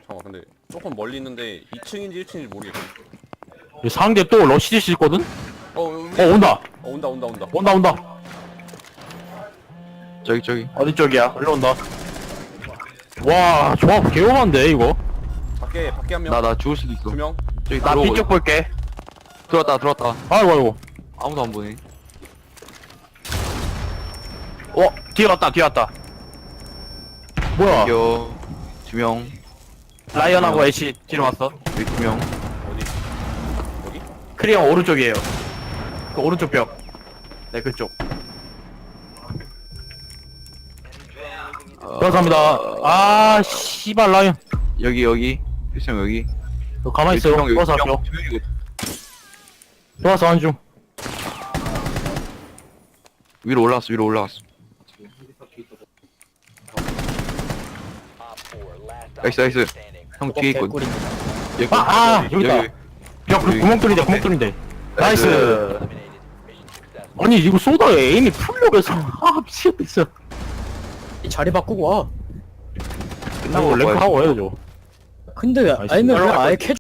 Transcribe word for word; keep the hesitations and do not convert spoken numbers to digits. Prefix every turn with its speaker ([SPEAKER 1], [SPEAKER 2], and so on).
[SPEAKER 1] 잠깐 근데 조금 멀리 있는데 이 층인지 일 층인지 모르겠어.
[SPEAKER 2] 이 상대 또 러시디스 있거든?
[SPEAKER 1] 어,
[SPEAKER 2] 어 온다
[SPEAKER 1] 어 온다 온다 온다.
[SPEAKER 2] 온다 온다
[SPEAKER 3] 저기 저기
[SPEAKER 2] 어디 쪽이야? 일로 온다 와 조합 개오만데 이거
[SPEAKER 1] 밖에 밖에 한 명.
[SPEAKER 3] 나 나 죽을 수도 있어.
[SPEAKER 1] 두 명.
[SPEAKER 3] 저기
[SPEAKER 2] 나
[SPEAKER 3] 들어오고
[SPEAKER 2] 뒤쪽 볼게
[SPEAKER 3] 있- 들어왔다 들어왔다.
[SPEAKER 2] 아이고 아이고
[SPEAKER 3] 아무도 안 보네.
[SPEAKER 2] 어 뒤에 왔다 뒤에 왔다 뭐야
[SPEAKER 3] 여기 두 명.
[SPEAKER 2] 라이언하고 애쉬 뒤로 왔어
[SPEAKER 3] 여기 두 명.
[SPEAKER 1] 어디? 어디?
[SPEAKER 2] 크리형 오른쪽이에요 그 오른쪽 벽네 그쪽
[SPEAKER 3] 어,
[SPEAKER 2] 감사합니다 아 씨발 라이언
[SPEAKER 3] 여기 여기 필승 여기.
[SPEAKER 2] 너 가만히 있어요
[SPEAKER 3] 여기 두 명,
[SPEAKER 2] 돌아서
[SPEAKER 3] 여기 두
[SPEAKER 2] 할게요
[SPEAKER 3] 명, 두 명이거든.
[SPEAKER 2] 돌아서 한중
[SPEAKER 3] 위로 올라왔어 위로 올라왔어. 나이스 나이스. 형 뒤에 있거든. 여기
[SPEAKER 2] 아, 아, 여기 있다.
[SPEAKER 3] 여기.
[SPEAKER 2] 야 구- 구멍 뚫린데 구멍 뚫린데 나이스 아니 이거 쏘다에 에임이 풀려서 아 미치겠다 진짜
[SPEAKER 4] 자리 바꾸고 와.
[SPEAKER 2] 끝나고 랭크 하고 해야죠
[SPEAKER 4] 근데
[SPEAKER 2] 나이스.
[SPEAKER 4] 아니면 그냥
[SPEAKER 2] 올라갈
[SPEAKER 4] 아예
[SPEAKER 2] 거야.
[SPEAKER 4] 캐